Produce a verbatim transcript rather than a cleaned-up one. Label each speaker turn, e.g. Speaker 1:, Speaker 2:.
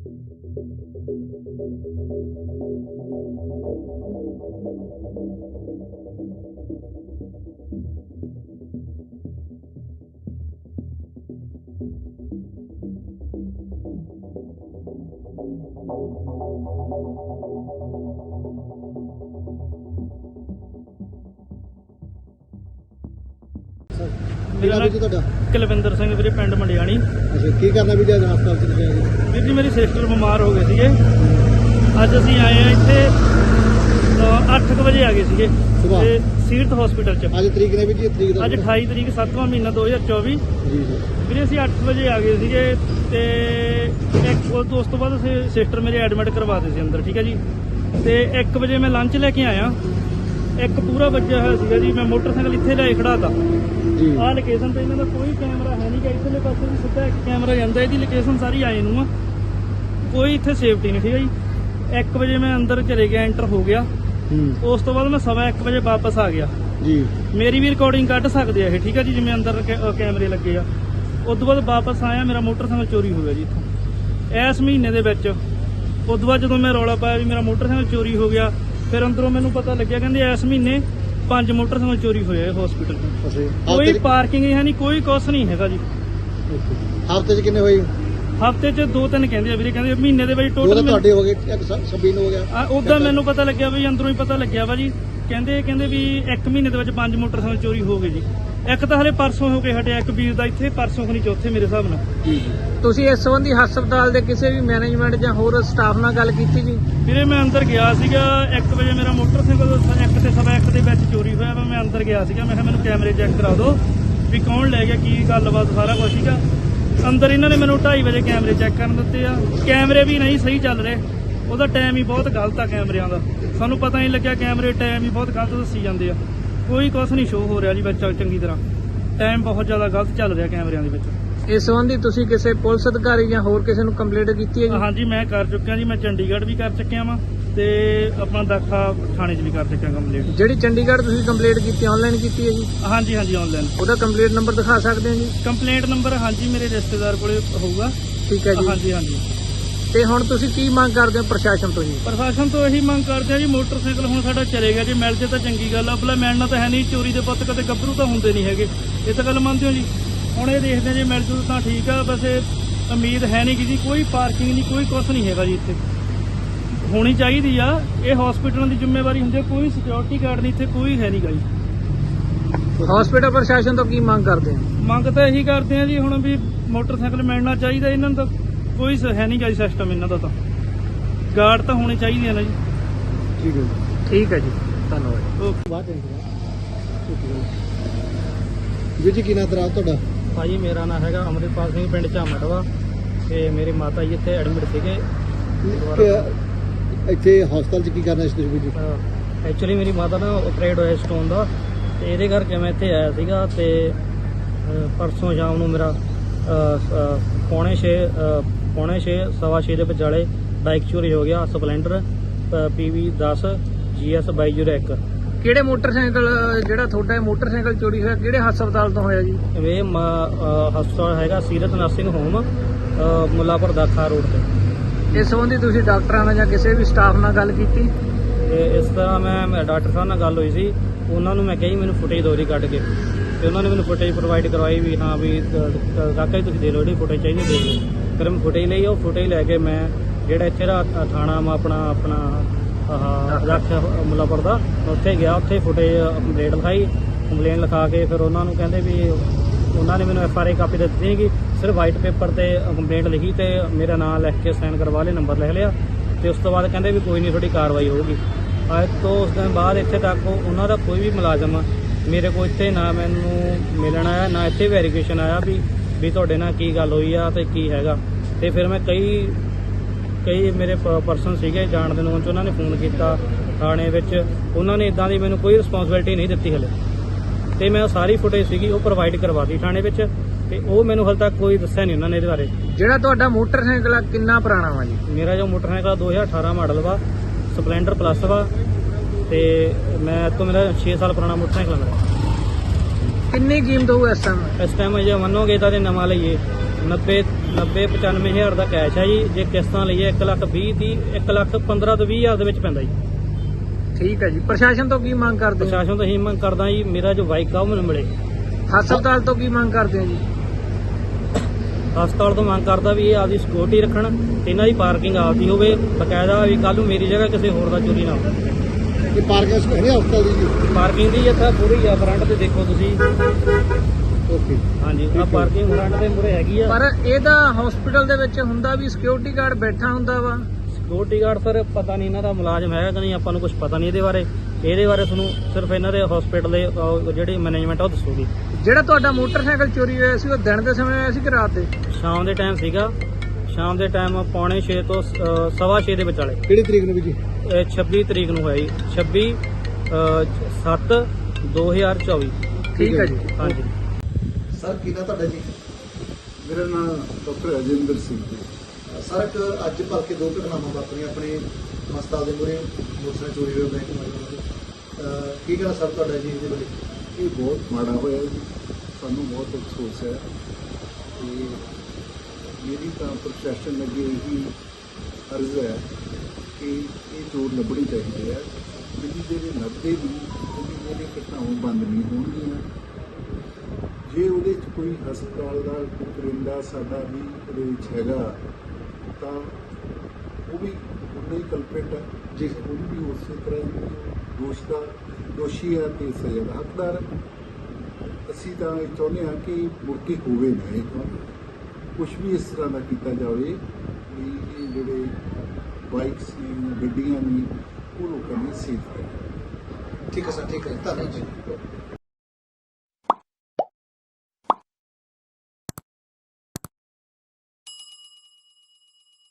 Speaker 1: ਮੇਰਾ ਨਾਮ ਤੁਹਾਡਾ ਕੁਲਵਿੰਦਰ ਸਿੰਘ ਵੀਰੇ, ਪਿੰਡ ਮੰਡਿਆਣੀ।
Speaker 2: ਅੱਛਾ, ਕੀ ਕਰਨਾ ਵੀ ਜਦ ਹਸਪਤਾਲ ਚ ਗਏ?
Speaker 1: ਵੀਰ ਜੀ ਮੇਰੀ ਸਿਸਟਰ ਬਿਮਾਰ ਹੋ ਗਏ ਸੀਗੇ। ਅੱਜ ਅਸੀਂ ਆਏ ਆ ਇੱਥੇ ਅੱਠ ਕੁ ਵਜੇ ਆ ਗਏ ਸੀਗੇ ਤੇ ਸੀਰਤ ਹਸਪੀਟਲ ਚ।
Speaker 2: ਅੱਜ ਤਰੀਕ ਨੇ ਵੀ ਜੀ ਤਰੀਕ ਦਾ
Speaker 1: ਅੱਜ ਅਠਾਈ ਤਰੀਕ ਸੱਤਵਾਂ ਮਹੀਨਾ ਦੋ ਹਜ਼ਾਰ ਚੌਵੀ।
Speaker 2: ਜੀ ਜੀ
Speaker 1: ਵੀਰੇ ਅਸੀਂ ਅੱਠ ਵਜੇ ਆ ਗਏ ਸੀਗੇ ਤੇ ਇੱਕ ਉਸ ਤੋਂ ਬਾਅਦ ਅਸੀਂ ਸਿਸਟਰ ਮੇਰੇ ਐਡਮਿਟ ਕਰਵਾਤੇ ਸੀ ਅੰਦਰ, ਠੀਕ ਹੈ ਜੀ। ਤੇ ਇੱਕ ਵਜੇ ਮੈਂ ਲੰਚ ਲੈ ਕੇ ਆਇਆ, ਇੱਕ ਪੂਰਾ ਵੱਜਿਆ ਹੋਇਆ ਸੀਗਾ ਜੀ। ਮੈਂ ਮੋਟਰਸਾਈਕਲ ਇੱਥੇ ਲੈ ਖੜਾਤਾ
Speaker 2: ਜੀ।
Speaker 1: ਆਹ ਲੋਕੇਸ਼ਨ ਤੇ ਇਹਨਾਂ ਦਾ ਕੋਈ ਕੈਮਰਾ ਹੈ ਨਹੀਂ ਗਾ, ਇੱਧਰਲੇ ਪਾਸੇ ਵੀ ਸਿੱਧਾ ਇੱਕ ਕੈਮਰਾ ਜਾਂਦਾ, ਇਹਦੀ ਲੋਕੇਸ਼ਨ ਸਾਰੀ ਆਏ ਨੂੰ ਆ, ਕੋਈ ਇੱਥੇ ਸੇਫਟੀ ਨਹੀਂ, ਠੀਕ ਹੈ ਜੀ। ਇੱਕ ਵਜੇ ਮੈਂ ਅੰਦਰ ਚਲੇ ਗਿਆ, ਐਂਟਰ ਹੋ ਗਿਆ। ਉਸ ਤੋਂ ਬਾਅਦ ਮੈਂ ਸਵਾ ਇੱਕ ਵਜੇ ਵਾਪਸ ਆ ਗਿਆ
Speaker 2: ਜੀ। ਮੇਰੀ
Speaker 1: ਵੀ ਰਿਕਾਰਡਿੰਗ ਕੱਢ ਸਕਦੇ ਆ ਇਹ, ਠੀਕ ਹੈ ਜੀ, ਜਿਵੇਂ ਅੰਦਰ ਕੈਮਰੇ ਲੱਗੇ ਆ। ਉਸ ਤੋਂ ਬਾਅਦ ਵਾਪਸ ਆਇਆ, ਮੇਰਾ ਮੋਟਰਸਾਈਕਲ ਚੋਰੀ ਹੋ ਗਿਆ ਜੀ ਇੱਥੋਂ ਇਸ ਮਹੀਨੇ ਦੇ ਵਿੱਚ। ਉਸ ਤੋਂ ਬਾਅਦ ਜਦੋਂ ਮੈਂ ਰੌਲਾ ਪਾਇਆ ਵੀ ਮੇਰਾ ਮੋਟਰਸਾਈਕਲ ਚੋਰੀ ਹੋ ਗਿਆ, ਫਿਰ ਅੰਦਰੋਂ ਮੈਨੂੰ ਪਤਾ ਲੱਗਿਆ ਕਹਿੰਦੇ ਇਸ ਮਹੀਨੇ ਪੰਜ ਮੋਟਰਸਾਈਕਲ ਚੋਰੀ ਹੋਏ ਆ ਹਸਪੀਟਲ ਤੋਂ। ਕੋਈ ਪਾਰਕਿੰਗ ਹੈ ਨਹੀਂ, ਕੋਈ ਕੁਛ ਨਹੀਂ ਹੈਗਾ ਜੀ।
Speaker 2: ਹਫ਼ਤੇ ਚ ਕਿੰਨੇ ਹੋਏ?
Speaker 1: ਹਫ਼ਤੇ ਚ ਦੋ ਤਿੰਨ ਕਹਿੰਦੇ ਆ ਵੀਰੇ, ਕਹਿੰਦੇ ਮਹੀਨੇ ਦੇ ਵਿੱਚ
Speaker 2: ਟੋਟਲ
Speaker 1: ਟੋਟਲ
Speaker 2: ਤੁਹਾਡੇ ਹੋ ਗਏ ਛੱਬੀ ਨੂੰ ਹੋ ਗਿਆ।
Speaker 1: ਉਦਾਂ ਮੈਨੂੰ ਪਤਾ ਲੱਗਿਆ ਵੀ ਅੰਦਰੋਂ ਹੀ ਪਤਾ ਲੱਗਿਆ ਵਾ ਜੀ। ਕਹਿੰਦੇ ਕਹਿੰਦੇ ਵੀ ਇੱਕ ਮਹੀਨੇ ਦੇ ਵਿੱਚ ਪੰਜ ਮੋਟਰਸਾਈਕਲ ਚੋਰੀ ਹੋ ਗਏ ਜੀ। ਇੱਕ ਤਾਂ ਹਲੇ ਪਰਸੋਂ ਹੋ ਕੇ ਹਟਿਆ, ਇੱਕ ਵੀਰ ਦਾ ਇੱਥੇ ਪਰਸੋਂ ਖਣੀ ਚੌਥੇ ਮੇਰੇ ਹਿਸਾਬ ਨਾਲ।
Speaker 2: ਜੀ।
Speaker 3: ਤੁਸੀਂ ਇਸ ਸੰਬੰਧੀ ਹਸਪਤਾਲ ਦੇ ਕਿਸੇ ਵੀ ਮੈਨੇਜਮੈਂਟ ਜਾਂ ਹੋਰ ਸਟਾਫ ਨਾਲ ਗੱਲ ਕੀਤੀ ਜੀ?
Speaker 1: ਵੀਰੇ ਮੈਂ ਅੰਦਰ ਗਿਆ ਸੀਗਾ ਇੱਕ ਵਜੇ, ਮੇਰਾ ਮੋਟਰਸਾਈਕਲ ਇੱਕ ਤੇ ਸਵਾ ਇੱਕ ਦੇ ਵਿੱਚ ਚੋਰੀ ਹੋਇਆ ਵਾ। ਮੈਂ ਅੰਦਰ ਗਿਆ ਸੀਗਾ, ਮੈਂ ਕਿਹਾ ਮੈਨੂੰ ਕੈਮਰੇ ਚੈੱਕ ਕਰਾ ਦਿਓ ਵੀ ਕੌਣ ਲੈ ਗਿਆ, ਕੀ ਗੱਲਬਾਤ, ਸਾਰਾ ਕੁਝ ਸੀਗਾ ਅੰਦਰ। ਇਹਨਾਂ ਨੇ ਮੈਨੂੰ ਢਾਈ ਵਜੇ ਕੈਮਰੇ ਚੈੱਕ ਕਰਨ ਦਿੱਤੇ ਆ। ਕੈਮਰੇ ਵੀ ਨਹੀਂ ਸਹੀ ਚੱਲ ਰਹੇ, ਉਹਦਾ ਟਾਈਮ ਹੀ ਬਹੁਤ ਗਲਤ ਆ ਕੈਮਰਿਆਂ ਦਾ। ਸਾਨੂੰ ਪਤਾ ਨਹੀਂ ਲੱਗਿਆ, ਕੈਮਰੇ ਟਾਈਮ ਹੀ ਬਹੁਤ ਗਲਤ ਦੱਸੀ ਜਾਂਦੇ ਆ। ਕੋਈ ਕੁਛ ਨਹੀਂ ਸ਼ੋਅ ਹੋ ਰਿਹਾ ਜੀ ਵਿੱਚ ਚੰਗੀ ਤਰ੍ਹਾਂ, ਟਾਈਮ ਬਹੁਤ ਜ਼ਿਆਦਾ ਗਲਤ ਚੱਲ ਰਿਹਾ ਕੈਮਰਿਆਂ ਦੇ ਵਿੱਚ।
Speaker 3: ਇਸ ਸੰਬੰਧੀ ਤੁਸੀਂ ਕਿਸੇ ਪੁਲਿਸ ਅਧਿਕਾਰੀ ਜਾਂ ਹੋਰ ਕਿਸੇ ਨੂੰ ਕੰਪਲੇਂਟ ਕੀਤੀ ਹੈ ਜੀ?
Speaker 1: ਹਾਂਜੀ ਮੈਂ ਕਰ ਚੁੱਕਿਆ ਜੀ, ਮੈਂ ਚੰਡੀਗੜ੍ਹ ਵੀ ਕਰ ਚੁੱਕਿਆ ਵਾਂ ਤੇ ਆਪਣਾ ਦਾਖਾ ਥਾਣੇ 'ਚ ਵੀ ਕਰ ਚੁੱਕਿਆ ਕੰਪਲੇਂਟ।
Speaker 3: ਜਿਹੜੀ ਚੰਡੀਗੜ੍ਹ ਤੁਸੀਂ ਕੰਪਲੇਂਟ ਕੀਤੀ ਆਨਲਾਈਨ ਕੀਤੀ ਹੈ ਜੀ?
Speaker 1: ਹਾਂਜੀ ਹਾਂਜੀ ਆਨਲਾਈਨ।
Speaker 3: ਉਹਦਾ ਕੰਪਲੇਂਟ ਨੰਬਰ ਦਿਖਾ ਸਕਦੇ ਹੋ ਜੀ?
Speaker 1: ਕੰਪਲੇਂਟ ਨੰਬਰ ਹਾਂਜੀ ਮੇਰੇ ਰਿਸ਼ਤੇਦਾਰ ਕੋਲੇ ਹੋਊਗਾ।
Speaker 3: ਠੀਕ ਹੈ ਜੀ।
Speaker 1: ਹਾਂਜੀ ਹਾਂਜੀ।
Speaker 3: ਤੇ ਹੁਣ ਤੁਸੀਂ ਕੀ ਮੰਗ ਕਰਦੇ ਹੋ ਪ੍ਰਸ਼ਾਸਨ ਤੋਂ ਜੀ?
Speaker 1: ਪ੍ਰਸ਼ਾਸਨ ਤੋਂ ਇਹੀ ਮੰਗ ਕਰਦੇ ਆ ਜੀ, ਮੋਟਰਸਾਈਕਲ ਹੁਣ ਸਾਡਾ ਚਲੇ ਗਿਆ ਜੀ, ਮਿਲ ਜੇ ਤਾਂ ਚੰਗੀ ਗੱਲ ਆ। ਭਲਾ ਮਿਲਣਾ ਤਾਂ ਹੈ ਨਹੀਂ, ਚੋਰੀ ਦੇ ਪੁੱਤ ਕਦੇ ਗੱਭਰੂ ਤਾਂ ਹੁੰਦੇ ਨਹੀਂ ਹੈਗੇ, ਇਹ ਤਾਂ ਗੱਲ ਮੰਨਦੇ ਹੋ ਜੀ। ਹੁਣ ਇਹ ਦੇਖਦੇ ਜੇ ਮਿਲ ਜੂ ਤਾਂ ਠੀਕ ਆ, ਵੈਸੇ ਉਮੀਦ ਹੈ ਨਹੀਂ ਕਿ ਜੀ ਕੋਈ ਪਾਰਕਿੰਗ ਨਹੀਂ, ਕੋਈ ਕੁਛ ਨਹੀਂ ਹੈਗਾ ਜੀ। ਇੱਥੇ ਹੋਣੀ ਚਾਹੀਦੀ ਆ, ਇਹ ਹਸਪੀਟਲਾਂ ਦੀ ਜ਼ਿੰਮੇਵਾਰੀ ਹੁੰਦੀ ਹੈ। ਕੋਈ ਸਿਕਿਉਰਿਟੀ ਗਾਰਡ ਨਹੀਂ ਇੱਥੇ, ਕੋਈ ਹੈ ਨਹੀਂ ਗਾ ਜੀ।
Speaker 3: ਹਸਪੀਟਲ ਪ੍ਰਸ਼ਾਸਨ ਤੋਂ ਕੀ ਮੰਗ ਕਰਦੇ ਹੋ?
Speaker 1: ਮੰਗ ਤਾਂ ਇਹੀ ਕਰਦੇ ਆ ਜੀ ਹੁਣ ਵੀ ਮੋਟਰਸਾਈਕਲ ਮਿਲਣਾ ਚਾਹੀਦਾ ਇਹਨਾਂ ਨੂੰ, ਤਾਂ ਕੋਈ ਹੈ ਨਹੀਂ ਗਾ ਜੀ ਸਿਸਟਮ ਇਹਨਾਂ ਦਾ। ਤਾਂ ਗਾਰਡ ਤਾਂ ਹੋਣੇ ਚਾਹੀਦੇ ਆ ਨਾ ਜੀ।
Speaker 2: ਠੀਕ ਹੈ
Speaker 3: ਠੀਕ ਹੈ ਜੀ, ਧੰਨਵਾਦ।
Speaker 1: ਓਕੇ।
Speaker 2: ਬਾਅਦ ਜੀ ਜੀ ਕੀ ਨਾਮ ਤੇਰਾ ਤੁਹਾਡਾ?
Speaker 1: ਭਾਜੀ ਮੇਰਾ ਨਾਮ ਹੈਗਾ ਅਮਰਿਤਪਾਲ ਸਿੰਘ, ਪਿੰਡ ਝਾਮਟਵਾ, ਤੇ ਮੇਰੇ ਮਾਤਾ ਜੀ ਇੱਥੇ ਐਡਮਿਟ ਸੀਗੇ।
Speaker 2: ਇੱਥੇ ਹਸਪਤਾਲ ਚ ਕੀ ਕਰਨਾ ਸੀ ਤੁਸੀਂ ਜੀ?
Speaker 1: ਐਕਚੁਅਲੀ ਮੇਰੀ ਮਾਤਾ ਨਾ ਆਪਰੇਟ ਹੋਇਆ ਸਟੋਨ ਦਾ, ਤੇ ਇਹਦੇ ਕਰਕੇ ਮੈਂ ਇੱਥੇ ਆਇਆ ਸੀਗਾ। ਤੇ ਪਰਸੋਂ ਸ਼ਾਮ ਨੂੰ ਮੇਰਾ ਪੌਣੇ ਛੇ ਪੌਣੇ ਛੇ ਸਵਾ ਛੇ ਦੇ ਵਿਚਾਲੇ ਬਾਈਕ ਚੋਰੀ ਹੋ ਗਿਆ, ਸਪਲੈਂਡਰ ਪੀ ਵੀ ਦਸ ਜੀ ਐਸ ਬਾਈ ਜ਼ੀਰੋ ਇੱਕ।
Speaker 3: ਕਿਹੜੇ ਮੋਟਰਸਾਈਕਲ, ਜਿਹੜਾ ਤੁਹਾਡਾ ਮੋਟਰਸਾਈਕਲ ਚੋਰੀ ਹੋਇਆ ਕਿਹੜੇ ਹਸਪਤਾਲ ਤੋਂ ਹੋਇਆ ਜੀ?
Speaker 1: ਇਹ ਹਸਪਤਾਲ ਹੈਗਾ Seerat nursing home, Mullanpur Dakha road ਤੇ।
Speaker 3: ਇਸ ਸੰਬੰਧੀ ਤੁਸੀਂ ਡਾਕਟਰਾਂ ਨਾਲ ਜਾਂ ਕਿਸੇ ਵੀ ਸਟਾਫ ਨਾਲ ਗੱਲ ਕੀਤੀ?
Speaker 1: ਤੇ ਇਸ ਤਰ੍ਹਾਂ ਮੈਂ ਡਾਕਟਰ ਸਾਹਿਬ ਨਾਲ ਗੱਲ ਹੋਈ ਸੀ, ਉਹਨਾਂ ਨੂੰ ਮੈਂ ਕਹੀ ਮੈਨੂੰ ਫੁਟੇਜ ਦੋ ਦੀ ਕੱਢ ਕੇ, ਤੇ ਉਹਨਾਂ ਨੇ ਮੈਨੂੰ ਫੁਟੇਜ ਪ੍ਰੋਵਾਈਡ ਕਰਵਾਈ ਵੀ ਹਾਂ ਵੀ ਕਾਕਾ ਜੀ ਤੁਸੀਂ ਦੇ ਲਓ, ਜਿਹੜੀ ਫੁਟੇਜ ਚਾਹੀਦੀ ਦੇ ਲਓ। ਫਿਰ ਮੈਂ ਫੁਟੇਜ ਲਈ, ਉਹ ਫੁਟੇਜ ਲੈ ਕੇ ਮੈਂ ਜਿਹੜਾ ਇੱਥੇ ਦਾ ਥਾਣਾ ਵਾ ਆਪਣਾ ਆਪਣਾ ਆਹ ਰੱਖ ਮੁੱਲਾਪੁਰ ਦਾ, ਉੱਥੇ ਗਿਆ। ਉੱਥੇ ਫੁਟੇਜ ਕੰਪਲੇਂਟ ਲਿਖਾਈ, ਕੰਪਲੇਂਟ ਲਿਖਾ ਕੇ ਫਿਰ ਉਹਨਾਂ ਨੂੰ ਕਹਿੰਦੇ ਵੀ ਉਹਨਾਂ ਨੇ ਮੈਨੂੰ ਐਫ ਆਰ ਆਈ ਕਾਪੀ ਦਿੱਤੀ ਸੀਗੀ, ਸਿਰਫ ਵਾਈਟ ਪੇਪਰ ਤੇ ਕੰਪਲੇਂਟ ਲਿਖੀ ਤੇ ਮੇਰਾ ਨਾਮ ਲਿਖ ਕੇ ਸਾਈਨ ਕਰਵਾ ਲਏ, ਨੰਬਰ ਲਿਖ ਲਿਆ। ਤੇ ਉਸ ਤੋਂ ਬਾਅਦ ਕਹਿੰਦੇ ਵੀ ਕੋਈ ਨਹੀਂ ਤੁਹਾਡੀ ਕਾਰਵਾਈ ਹੋਊਗੀ। ਅੱਜ ਤੋਂ ਉਸ ਦਿਨ ਬਾਅਦ ਇੱਥੇ ਤੱਕ ਉਹਨਾਂ ਦਾ ਕੋਈ ਵੀ ਮੁਲਾਜ਼ਮ ਮੇਰੇ ਕੋਲ ਇੱਥੇ ਨਾ ਮੈਨੂੰ ਮਿਲਣ ਆਇਆ, ਨਾ ਇੱਥੇ ਵੈਰੀਫਿਕੇਸ਼ਨ ਆਇਆ ਵੀ ਵੀ ਤੁਹਾਡੇ ਨਾਲ ਕੀ ਗੱਲ ਹੋਈ ਆ ਤੇ ਕੀ ਹੈਗਾ। ਤੇ ਫਿਰ ਮੈਂ ਕਈ ਕਈ ਮੇਰੇ ਪਰਸਨ ਸੀਗੇ ਜਾਣਦੇ ਨੂੰ, ਉਹਨਾਂ ਨੇ ਫੋਨ ਕੀਤਾ ਥਾਣੇ ਵਿੱਚ, ਉਹਨਾਂ ਨੇ ਇਦਾਂ ਦੀ ਮੈਨੂੰ ਕੋਈ ਰਿਸਪੌਂਸਿਬਿਲਿਟੀ ਨਹੀਂ ਦਿੱਤੀ ਹਲੇ। ਤੇ ਮੈਂ ਸਾਰੀ ਫੁਟੇਜ ਸੀਗੀ ਉਹ ਪ੍ਰੋਵਾਈਡ ਕਰਵਾਤੀ ਥਾਣੇ ਵਿੱਚ, ਤੇ ਉਹ ਮੈਨੂੰ ਹਾਲੇ ਤੱਕ ਕੋਈ ਦੱਸਿਆ ਨਹੀਂ ਉਹਨਾਂ ਨੇ ਇਹਦੇ ਬਾਰੇ।
Speaker 3: ਜਿਹੜਾ ਤੁਹਾਡਾ ਮੋਟਰਸਾਈਕਲ ਆ ਕਿੰਨਾ ਪੁਰਾਣਾ ਵਾ ਜੀ?
Speaker 1: ਮੇਰਾ ਜੋ ਮੋਟਰਸਾਈਕਲ ਦੋ ਹਜ਼ਾਰ ਅਠਾਰਾਂ ਮਾਡਲ ਵਾ, ਸਪਲੈਂਡਰ ਪਲੱਸ ਵਾ, ਤੇ ਮੈਂ ਤੋਂ ਮੇਰਾ ਛੇ ਸਾਲ ਪੁਰਾਣਾ ਮੋਟਰਸਾਈਕਲ ਮੇਰਾ।
Speaker 3: ਕਿੰਨੀ ਕੀਮਤ ਹੋਊ ਇਸ ਟਾਈਮ?
Speaker 1: ਇਸ ਟਾਈਮ ਜੇ ਮੰਨੋਗੇ ਤਾਂ ਨਵਾਂ ਲਈਏ ਨੱਬੇ ਨੱਬੇ ਪਚਾਨਵੇਂ ਹਜ਼ਾਰ ਦਾ ਕੈਸ਼ ਹੈ ਜੀ। ਜੇ ਕਿਸ਼ਤਾਂ ਲਈਏ ਇੱਕ ਲੱਖ ਵੀਹ ਤੀਹ ਇੱਕ ਲੱਖ ਪੰਦਰਾਂ ਤੋਂ ਵੀਹ ਹਜ਼ਾਰ ਦੇ ਵਿੱਚ ਪੈਂਦਾ ਜੀ।
Speaker 3: ਠੀਕ ਹੈ ਜੀ। ਪ੍ਰਸ਼ਾਸਨ ਤੋਂ ਕੀ ਮੰਗ ਕਰਦੇ ਹੋ?
Speaker 1: ਪ੍ਰਸ਼ਾਸਨ ਤੋਂ ਇਹੀ ਮੰਗ ਕਰਦਾ ਜੀ, ਮੇਰਾ ਜੋ ਬਾਈਕ ਆ ਉਹ ਮੈਨੂੰ ਮਿਲੇ।
Speaker 3: ਹਸਪਤਾਲ ਤੋਂ ਕੀ ਮੰਗ ਕਰਦੇ ਹੋ ਜੀ?
Speaker 1: ਹਸਪਤਾਲ ਤੋਂ ਮੰਗ ਕਰਦਾ ਵੀ ਇਹ ਆਪਦੀ ਸਿਕਿਉਰਿਟੀ ਰੱਖਣ, ਇਹਨਾਂ ਦੀ ਪਾਰਕਿੰਗ ਆਪਦੀ ਹੋਵੇ ਬਕਾਇਦਾ, ਵੀ ਕੱਲ ਨੂੰ ਮੇਰੀ ਜਗ੍ਹਾ ਕਿਸੇ ਹੋਰ ਦਾ ਚੋਰੀ ਨਾ ਹੋਵੇ।
Speaker 2: ਇਹ ਪਾਰਕਿੰਗ ਸਪੇਸ ਹੈ ਹਸਪਤਾਲ ਦੀ ਜੀ?
Speaker 1: ਪਾਰਕਿੰਗ ਦੀ ਇੱਥੇ ਪੂਰੀ ਆ, ਫਰੰਟ ਤੇ ਦੇਖੋ ਤੁਸੀਂ।
Speaker 2: ਓਕੇ।
Speaker 1: ਹਾਂਜੀ ਆ ਪਾਰਕਿੰਗ ਫਰੰਟ ਦੇ ਮੂਹਰੇ ਹੈਗੀ ਆ।
Speaker 3: ਪਰ ਇਹਦਾ ਹਸਪੀਟਲ ਦੇ ਵਿੱਚ ਹੁੰਦਾ ਵੀ ਸਿਕਿਉਰਿਟੀ ਗਾਰਡ ਬੈਠਾ ਹੁੰਦਾ ਵਾ।
Speaker 1: ਸਿਕਿਉਰਿਟੀ ਗਾਰਡ ਸਰ ਪਤਾ ਨਹੀਂ ਇਹਨਾਂ ਦਾ ਮੁਲਾਜ਼ਮ ਹੈਗਾ ਕਿ ਨਹੀਂ, ਆਪਾਂ ਨੂੰ ਕੁਝ ਪਤਾ ਨਹੀਂ ਇਹਦੇ ਬਾਰੇ। ਇਹਦੇ ਬਾਰੇ ਤੁਹਾਨੂੰ ਸਿਰਫ ਇਹਨਾਂ ਦੇ ਹਸਪੀਟਲ ਦੇ ਅਹ, ਜਿਹੜੀ ਮੈਨੇਜਮੈਂਟ ਆ ਉਹ ਦੱਸੂਗੀ।
Speaker 3: ਜਿਹੜਾ ਤੁਹਾਡਾ ਮੋਟਰਸਾਈਕਲ ਚੋਰੀ ਹੋਇਆ ਸੀ ਉਹ ਦਿਨ ਦੇ ਸਮੇਂ ਹੋਇਆ ਸੀ ਕਿ ਰਾਤ ਦੇ?
Speaker 1: ਸ਼ਾਮ ਦੇ ਟਾਈਮ ਸੀਗਾ, ਸ਼ਾਮ ਦੇ ਟਾਈਮ ਪੌਣੇ ਛੇ ਤੋਂ ਅਹ, ਸਵਾ ਛੇ ਦੇ ਵਿਚਾਲੇ।
Speaker 2: ਕਿਹੜੀ ਤਰੀਕ ਨੂੰ ਵੀ ਜੀ?
Speaker 1: ਇਹ ਛੱਬੀ ਤਰੀਕ ਨੂੰ ਹੋਇਆ ਜੀ, ਛੱਬੀ ਸੱਤ ਦੋ ਹਜ਼ਾਰ ਚੌਵੀ।
Speaker 3: ਠੀਕ ਹੈ ਜੀ।
Speaker 1: ਹਾਂਜੀ
Speaker 2: ਸਰ ਕੀ ਨਾਂ ਤੁਹਾਡਾ ਜੀ?
Speaker 4: ਮੇਰਾ ਨਾਮ ਡਾਕਟਰ ਅਜਿੰਦਰ ਸਿੰਘ ਜੀ।
Speaker 2: ਸਰ ਇੱਕ ਅੱਜ ਭਲਕੇ ਦੋ ਘਟਨਾਵਾਂ ਵਾਪਰੀਆਂ ਆਪਣੇ ਹਸਪਤਾਲ ਦੇ ਮੂਹਰੇ, ਮੋਟਰਸਾਈਕਲ ਚੋਰੀ ਹੋਇਆ ਬੈਂਕ ਮਾਰੀ। ਕੀ ਕਹਿਣਾ ਸਰ ਤੁਹਾਡਾ ਜੀ ਇਹਦੇ ਬਾਰੇ?
Speaker 4: ਇਹ ਬਹੁਤ ਮਾੜਾ ਹੋਇਆ ਜੀ, ਸਾਨੂੰ ਬਹੁਤ ਅਫਸੋਸ ਹੈ। ਤੇ ਮੇਰੀ ਤਾਂ ਪ੍ਰਸ਼ਾਸਨ ਅੱਗੇ ਇਹੀ ਅਰਜ਼ ਹੈ ਕਿ ਇਹ ਚੋਰ ਲੱਭਣੇ ਚਾਹੀਦੇ ਆ। ਜਿਹੜੀ ਜਿਹੜੇ ਲੱਭਦੇ ਵੀ ਉਹਦੀ ਜਿਹੜੇ ਘਟਨਾਵਾਂ ਬੰਦ ਨਹੀਂ ਹੋਣਗੀਆਂ। ਜੇ ਉਹਦੇ 'ਚ ਕੋਈ ਹਸਪਤਾਲ ਦਾ ਕੋਈ ਕਰਿੰਦਾ ਸਾਡਾ ਵੀ ਉਹਦੇ ਵਿੱਚ ਹੈਗਾ ਤਾਂ ਉਹ ਵੀ ਉਨਾ ਹੀ ਕਲਪਿਟ ਹੈ ਜੀ। ਉਹਨੂੰ ਵੀ ਉਸੇ ਤਰ੍ਹਾਂ ਹੀ ਦੋਸ਼ ਦਾ ਦੋਸ਼ੀ ਹੈ ਤੇ ਸਜ਼ਾ ਦਾ ਹੱਕਦਾਰ ਹੈ। ਅਸੀਂ ਤਾਂ ਇਹ ਚਾਹੁੰਦੇ ਹਾਂ ਕਿ ਮੁੜ ਕੇ ਹੋਵੇ ਨਾ ਇਹ ਕੰਮ, ਕੁਛ ਵੀ ਇਸ ਤਰ੍ਹਾਂ ਦਾ ਕੀਤਾ ਜਾਵੇ ਵੀ ਇਹ ਜਿਹੜੇ ਬਾਈਕਸ ਨੇ ਗੱਡੀਆਂ ਨੇ ਉਹ ਲੋਕਾਂ ਦੀ ਸੇਫ ਰਹੇ।
Speaker 2: ਠੀਕ ਹੈ ਸਰ, ਠੀਕ ਹੈ, ਧੰਨਵਾਦ ਜੀ।